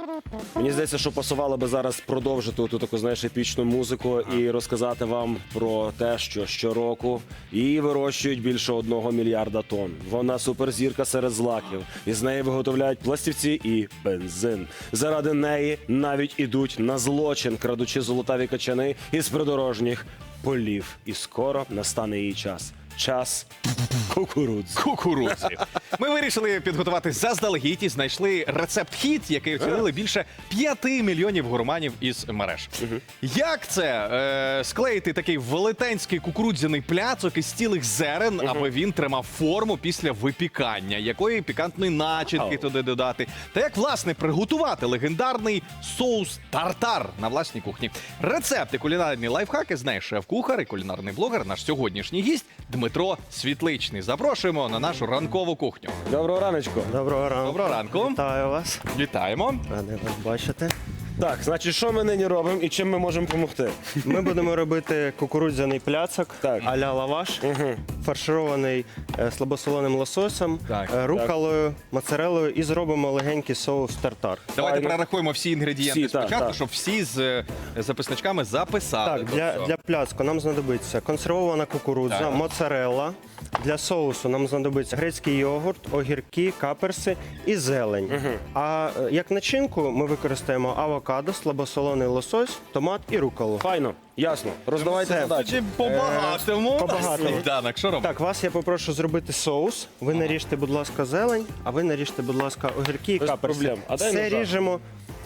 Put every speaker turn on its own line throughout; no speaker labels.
Мені здається, що пасувало би зараз продовжити ту таку, знаєш, епічну музику і розказати вам про те, що щороку її вирощують більше 1 мільярда тонн. Вона суперзірка серед злаків. Із неї виготовляють пластівці і бензин. Заради неї навіть ідуть на злочин, крадучи золотаві качани із придорожніх полів. І скоро настане її час. Час кукурудзи.
Кукурудзі. Ми вирішили підготувати заздалегідь і знайшли рецепт-хіт, який оцінили більше 5 мільйонів гурманів із мереж. Як це склеїти такий велетенський кукурудзяний пляцок із цілих зерен, аби він тримав форму після випікання? Якої пікантної начинки туди додати? Та як, власне, приготувати легендарний соус тартар на власній кухні? Рецепти, кулінарні лайфхаки знає шеф-кухар і кулінарний блогер, наш сьогоднішній гість Дмитро Світличний. Запрошуємо на нашу ранкову кухню.
Доброго раночку.
Доброго ранку.
Доброго ранку.
Вітаю вас.
Вітаємо.
Радий вас бачити.
Так, значить, що ми нині робимо і чим ми можемо допомогти?
Ми будемо робити кукурудзяний пляцок
Так.
а-ля лаваш, фарширований слабосоленим лососем,
Так.
руколою, моцарелою і зробимо легенький соус тартар.
Давайте
Файно.
перерахуємо всі інгредієнти
Всі, так,
спочатку,
так.
щоб всі з записничками записали.
Так, для пляцку нам знадобиться консервована кукурудза,
Так.
моцарелла. Для соусу нам знадобиться грецький йогурт, огірки, каперси і зелень. А як начинку ми використаємо авокадо, слабосолений лосось, томат і руколу.
Файно, ясно. Роздавайте
Це
задачі.
Чи по-багатому?
по-багатому.
Сніданок, що робимо?
Так, вас я попрошу зробити соус. Ви наріжте, будь ласка, зелень, а ви наріжте, будь ласка, огірки і
Без
каперси.
проблем. А дай
Все
ножа.
ріжемо.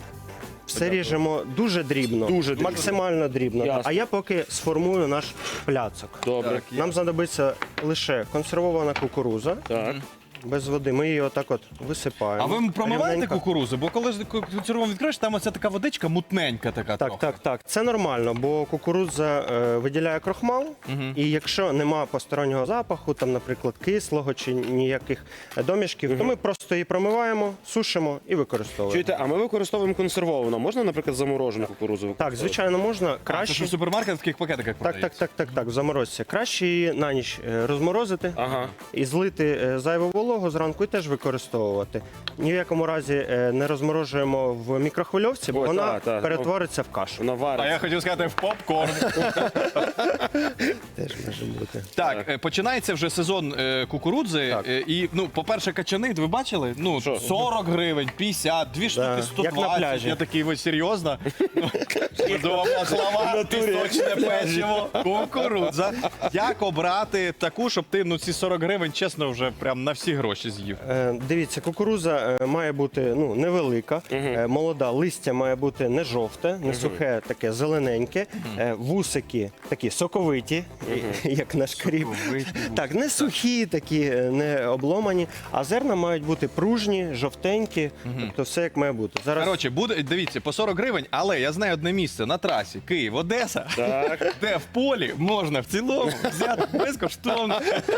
Все ріжемо дуже дрібно,
Дуже дрібно.
максимально дрібно.
Ясно.
А я поки сформую наш пляцок.
Добре.
Так.
Нам знадобиться лише консервована кукуруза
Так.
без води. Ми її отак от висипаємо.
А ви промиваєте
Рівненько.
кукурузу? Бо коли консерву відкриєш, там оця така водичка мутненька така
Так,
трохи.
так, так. Це нормально, бо кукурудза виділяє крохмал, і якщо нема постороннього запаху, там, наприклад, кислого чи ніяких домішків, то ми просто її промиваємо, сушимо і використовуємо.
Чуєте, а ми використовуємо консервовану. Можна, наприклад, заморожену кукурудзу
Так,
використовувати?
звичайно, можна.
А, це
Краще.
ж у супермаркетах в таких пакетиках
Так, так, так, в заморозці. Краще її на ніч розморозити
Ага.
і злити зайву вологу зранку і теж використовувати. Ні в якому разі не розморожуємо в мікрохвильовці, бо
Ой,
вона
так.
перетвориться в кашу.
Вона
А
вариться.
я хотів сказати в попкорн.
Теж може бути.
Так, починається вже сезон кукурудзи.
Так.
І, ну, по-перше, качани, ви бачили? Ну,
Що?
40 гривень, 50, 2 штуки
Як на
120.
пляжі.
Я такий, ви серйозно? Медова маслова, пісочне печиво, кукурудза. Як обрати таку, щоб ти, ну, ці 40 гривень, чесно, вже прям на всі гроші з'їв?
Дивіться, кукуруза має бути невелика, молода, листя має бути не жовте, не сухе, таке зелененьке, вусики такі соковиті, як наш кріп. Так, не сухі, такі, не обломані, а зерна мають бути пружні, жовтенькі, тобто все як має бути. Зараз
Коротше, буде, дивіться, по 40 гривень, але я знаю одне місце на трасі Київ-Одеса,
Так.
де в полі можна в цілому взяти безкоштовно.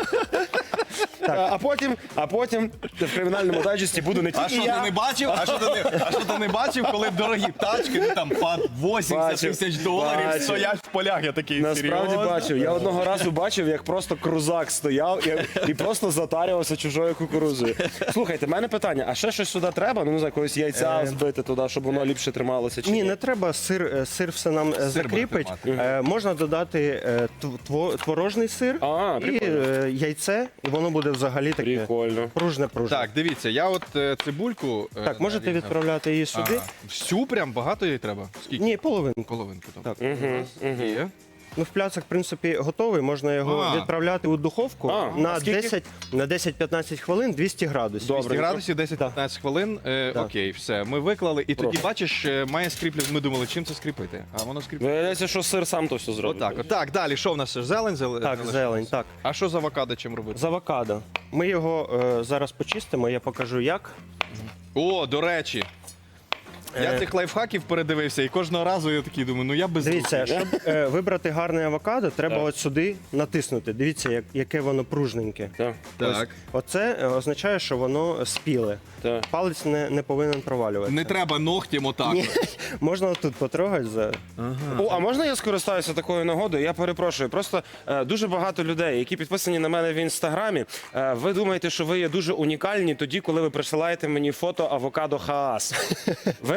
А потім в кримінальному дайджесті буду не
А
тільки
що ти
я.
не бачив? А що ти не бачив, коли дорогі тачки, ну там по 80
Бачив.
тисяч доларів
Бачив.
стоять в полях? Я такий,
Насправді
серйозно?
бачив. Я одного разу бачив, як просто крузак стояв і просто затарювався чужою кукурудзою. Слухайте, в мене питання, а ще щось сюди треба? Ну, не знаю, якогось яйця збити туди, щоб воно ліпше трималося? Чи
ні, не треба сир все нам закріпить.
буде
Можна додати творожний сир
А,
і
прикольно.
яйце, і воно буде взагалі таке
Прикольно.
пружне.
Так, дивіться, я от цибульку...
Так, можете
нарізав.
відправляти її сюди.
Ага. Всю прям багато їй треба? Скільки?
Ні, половинку.
Половинку.
Так.
Є.
Ну, в пляцок, в принципі, готовий. Можна його
А.
відправляти у духовку
А,
на
а скільки?
10-15 хвилин 200 градусів.
Добре.
200 градусів, 10-15 хвилин. Окей, все, ми виклали. І тоді, бачиш, має скріплювати. Ми думали, чим це скріпити? А воно скріплює.
Виявляється, що сир сам то все зробить.
Отак, отак. Далі, що в нас? Зелень?
Так,
залишилась?
зелень, так.
А що з авокадо чим робити?
З авокадо. Ми його зараз почистимо, я покажу як.
О, до речі. Я цих лайфхаків передивився, і кожного разу я такий думаю, ну я без
Дивіться,
руки.
щоб вибрати гарне авокадо, треба от сюди натиснути. Дивіться, яке воно пружненьке.
Так,
Так.
Оце означає, що воно спіле.
так.
Палець не повинен провалюватися.
Не треба ногтем отак.
Ні, можна тут потрогати за.
О, а можна я скористаюся такою нагодою? Я перепрошую. Просто дуже багато людей, які підписані на мене в інстаграмі. Ви думаєте, що ви є дуже унікальні тоді, коли ви присилаєте мені фото авокадо Хаас. Ви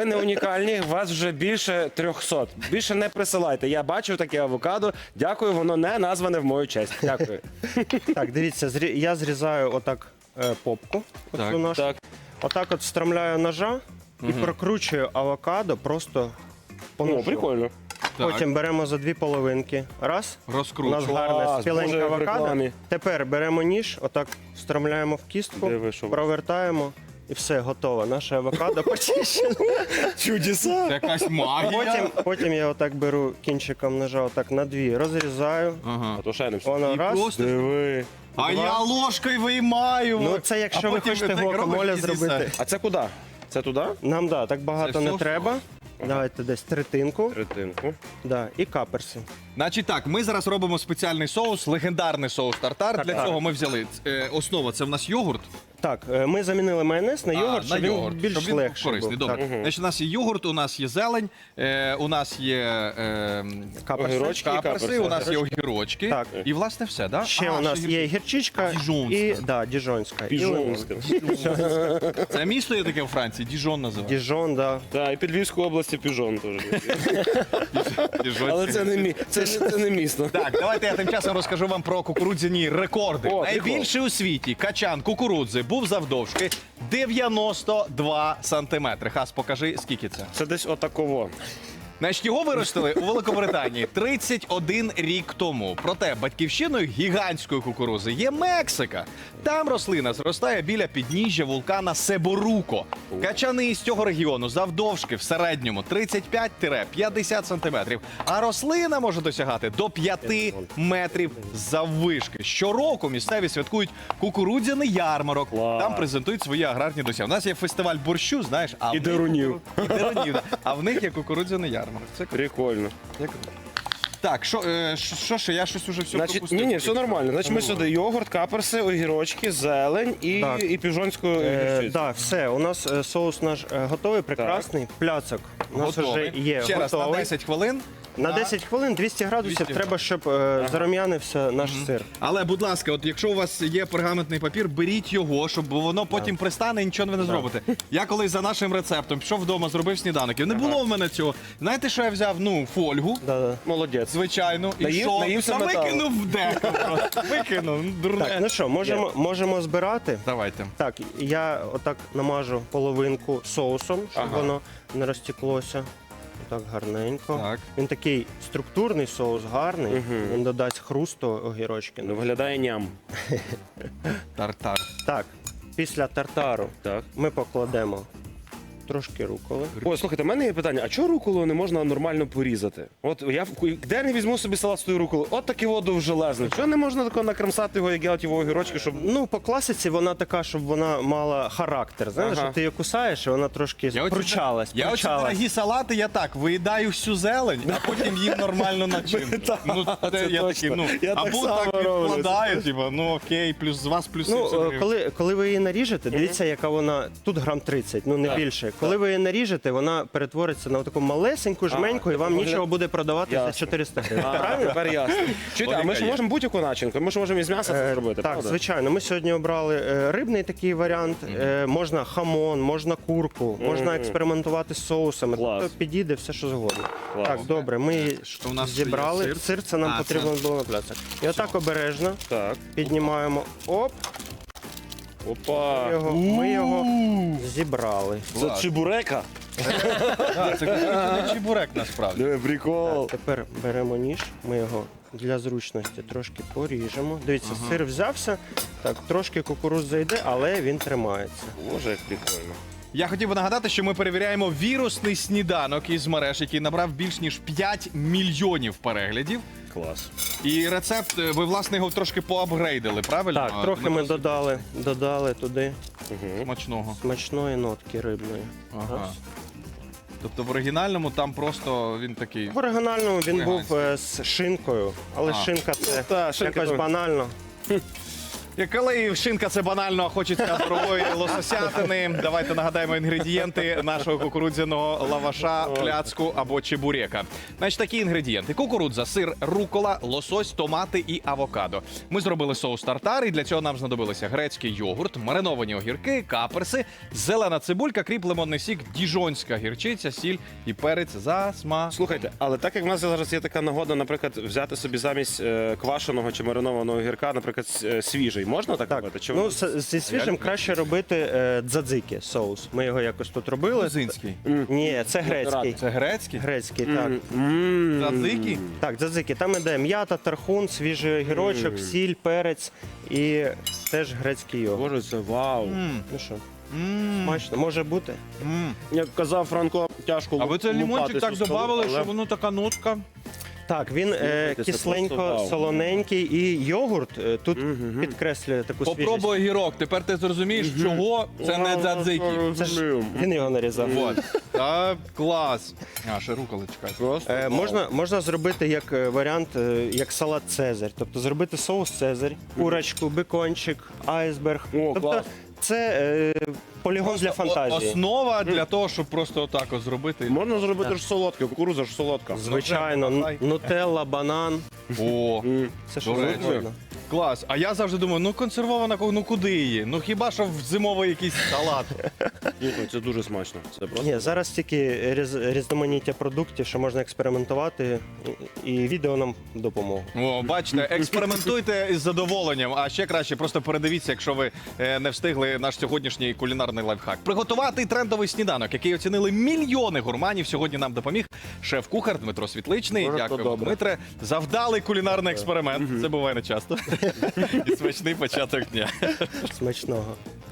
не унікальні, вас вже більше 300. Більше не присилайте. Я бачив таке авокадо. Дякую, воно не назване в мою честь. Дякую.
Так, дивіться, я зрізаю отак попку.
Так.
Оцю нашу.
Так.
Отак от встромляю ножа і прокручую авокадо просто по ножу.
Ну, прикольно.
Потім беремо за дві половинки. Раз. У нас
Розкручу.
гарне
Клас,
спіленьке
Боже, як в
авокадо.
рекламі.
Тепер беремо ніж, отак встромляємо в кістку,
Диви, що ви.
провертаємо і все, готово. Наше авокадо почищено.
Чудеса.
Це якась магія.
Потім я отак беру кінчиком ножа, отак на дві, розрізаю.
Ага.
А то ще не все.
Воно
І
раз.
просто-
Диви.
А я ложкою виймаю.
Ну це якщо ви хочете гуакамоле зробити.
А це куди? Це туди?
Нам так багато
Це
не
все
треба. Давайте десь третинку.
Третинку.
Да, і каперси.
Значить так, ми зараз робимо спеціальний соус, легендарний соус тартар. Для
Тартар.
цього ми взяли основа, це в нас йогурт.
Так, ми замінили майонез на йогурт,
на
щоб
йогурт,
він більш
щоб він
легший
корисний.
був.
Добре.
Так.
Значить, у нас є йогурт, у нас є зелень, у нас є
Каперси.
Огірочки.
каперси, у нас є огірочки.
Так.
І власне все, да?
Ще у нас є гірчичка
Діжонська.
і діжонська. І лимон.
Піжонська.
Це місто є таке у Франції, Діжон називається.
Діжон, да.
Так, і під Львівською області Піжон теж.
Діжон.
Але це не це не місто.
Так, давайте я тим часом розкажу вам про кукурудзяні рекорди.
О,
Найбільший у світі качан кукурудзи був завдовжки 92 сантиметри. Хас, покажи, скільки це.
Це десь отаково.
Значить, його виростили у Великобританії 31 рік тому. Проте батьківщиною гігантської кукурузи є Мексика. Там рослина зростає біля підніжжя вулкана Себоруко. Качани з цього регіону завдовжки в середньому 35-50 сантиметрів. А рослина може досягати до 5 метрів заввишки. Щороку місцеві святкують кукурудзяний ярмарок.
Клас.
Там презентують свої аграрні досягнення. У нас є фестиваль борщу, знаєш, а в
І
них
дерунів.
і дерунів, да. А в них є кукурудзяний ярмарок. Це круто.
Прикольно.
Так, що ще? Я щось уже все
Значить,
пропустив.
ні, все нормально. Значить, ми сюди йогурт, каперси, огірочки, зелень
Так.
і піжонську гірчицю.
Так, все, у нас соус наш готовий, прекрасний. Пляцок у нас
Готовий.
вже є
Ще раз, на
готовий.
10 хвилин.
На 10 хвилин 200 градусів
200.
треба, щоб зарум'янився наш сир.
Але, будь ласка, от якщо у вас є пергаментний папір, беріть його, щоб воно потім пристане і нічого ви не зробите. Я колись за нашим рецептом пішов вдома, зробив сніданок. І не було в мене цього. Знаєте, що я взяв? Ну, фольгу.
Да-да.
Молодець.
Звичайно, і
Наїв-
що?
наївся
Та
металу.
викинув в деко просто. Викинув, ну, дурне.
Так, ну що, можемо збирати.
Давайте.
Так, я отак намажу половинку соусом, щоб воно не розтеклося. Так гарненько.
Так.
Він такий структурний соус, гарний. Він додасть хрусту огірочки.
Ну, виглядає ням.
Тартар.
Так, після тартару
Так.
ми покладемо трошки руколи.
Ой, слухайте, в мене є питання, а чого руколу не можна нормально порізати? От я де не візьму собі салат з тою руколою? От такий воду железний. Чого не можна тако накремсати його, як я от його огірочки, щоб...
Ну, по класиці вона така, щоб вона мала характер. Знаєш,
Ага.
що ти її кусаєш, і вона трошки пручалась.
Я оці дорогі салати, я так, виїдаю всю зелень, а потім їм нормально начинку. Ну,
це
я
точно.
такий, ну,
Я так
або
само
так
роблю.
відкладаю, типу, ну окей, плюс з вас плюс
Ну,
70 гривень.
коли ви її наріжете, дивіться, яка вона тут грам 30, ну не більше. Коли ви її наріжете, вона перетвориться на таку малесеньку жменьку, і вам
вигляд-
нічого буде продавати за
Ясно.
400 гривень.
А,
Правильно?
тепер ясно. Чуєте, а ми ж
Логіка є.
можемо будь-яку начинку, ми ж можемо із м'яса це зробити,
Так,
правда?
звичайно. Ми сьогодні обрали рибний такий варіант. Можна хамон, можна курку, можна експериментувати з соусами.
Клас.
Тобто підійде все, що згодно.
Клас.
Так, добре, ми її
Що у нас ще є?
зібрали.
Сир?
Сир це нам
А,
потрібно було на пляцах. І отак обережно
Так.
піднімаємо. Оп,
Опа.
ми його зібрали.
Це
Клас.
чебурека?
Так, це кукурудзяний чебурек насправді.
Диви, прикол.
Тепер беремо ніж, ми його для зручності трошки поріжемо. Дивіться, сир взявся, так, трошки кукурудза йде, але він тримається.
Боже, як прикольно.
Я хотів би нагадати, що ми перевіряємо вірусний сніданок із мереж, який набрав більш ніж 5 мільйонів переглядів.
Клас.
І рецепт, ви, власне, його трошки поапгрейдили, правильно?
Так, трохи ми додали туди
Смачного.
смачної нотки рибної.
Ага.
Раз.
Тобто в оригінальному там просто він такий.
В оригінальному він
Веганський.
був з шинкою, але
А.
шинка це
Та, шинка
якось
то-
банально.
Коли шинка це банально, а хочеться дорогої лососятини, давайте нагадаємо інгредієнти нашого кукурудзяного лаваша, пляцку або чебурека. Значить, такі інгредієнти: кукурудза, сир, рукола, лосось, томати і авокадо. Ми зробили соус тартар, і для цього нам знадобилися грецький йогурт, мариновані огірки, каперси, зелена цибулька, кріп, лимонний сік, діжонська гірчиця, сіль і перець за смаком.
Слухайте, але так як в нас зараз є така нагода, наприклад, взяти собі замість квашеного чи маринованого гірка, наприклад, свіжий, можна так робити? Чи
Ну,
ви-
зі свіжим краще робити дзадзики соус. Ми його якось тут робили.
Грузинський.
Ні, це грецький.
Це грецький?
Грецький, так.
Задзики?
Так, дзадзики. Там іде м'ята, тархун, свіжий огірочок, сіль, перець і теж грецький йогурт.
Боже, це вау.
Ну що, смачно, може бути?
Як казав Франко, тяжко
А ви це
лупати
лимончик так
цю скалу,
додавали,
але-
що воно така нотка.
Так, він
це просто
кисленько,
вау.
солоненький, і йогурт тут підкреслює таку свіжість.
Попробуй огірок, тепер ти зрозумієш, чого це не дзадзики.
Це ж він його нарізав.
Вот. Так, клас. А, ще руколи чекай.
Просто
Можна зробити як варіант, як салат Цезарь. Тобто зробити соус Цезарь, курочку, бекончик, айсберг.
О,
Тобто
клас.
це полігон для фантазії.
Основа для того, щоб просто отак от зробити.
Можна зробити ж солодке, кукурудза ж солодка.
Звичайно,
Давай.
нутелла, банан.
О,
Це що
До речі.
завгодно.
клас. А я завжди думаю, ну консервована, ну куди її? Ну хіба що в зимовий якийсь салат.
Слухай, це дуже смачно. Це просто.
Ні, зараз тільки різноманіття продуктів, що можна експериментувати, і відео нам допоможе.
О, бачите, експериментуйте із задоволенням, а ще краще просто передивіться, якщо ви не встигли наш сьогоднішній кулінарний лайфхак. Приготувати трендовий сніданок, який оцінили мільйони гурманів. Сьогодні нам допоміг шеф-кухар Дмитро Світличний.
Дуже
Дякую,
добре.
Дмитре. Завдалий кулінарний експеримент. Це буває не часто. І смачний початок дня.
Смачного.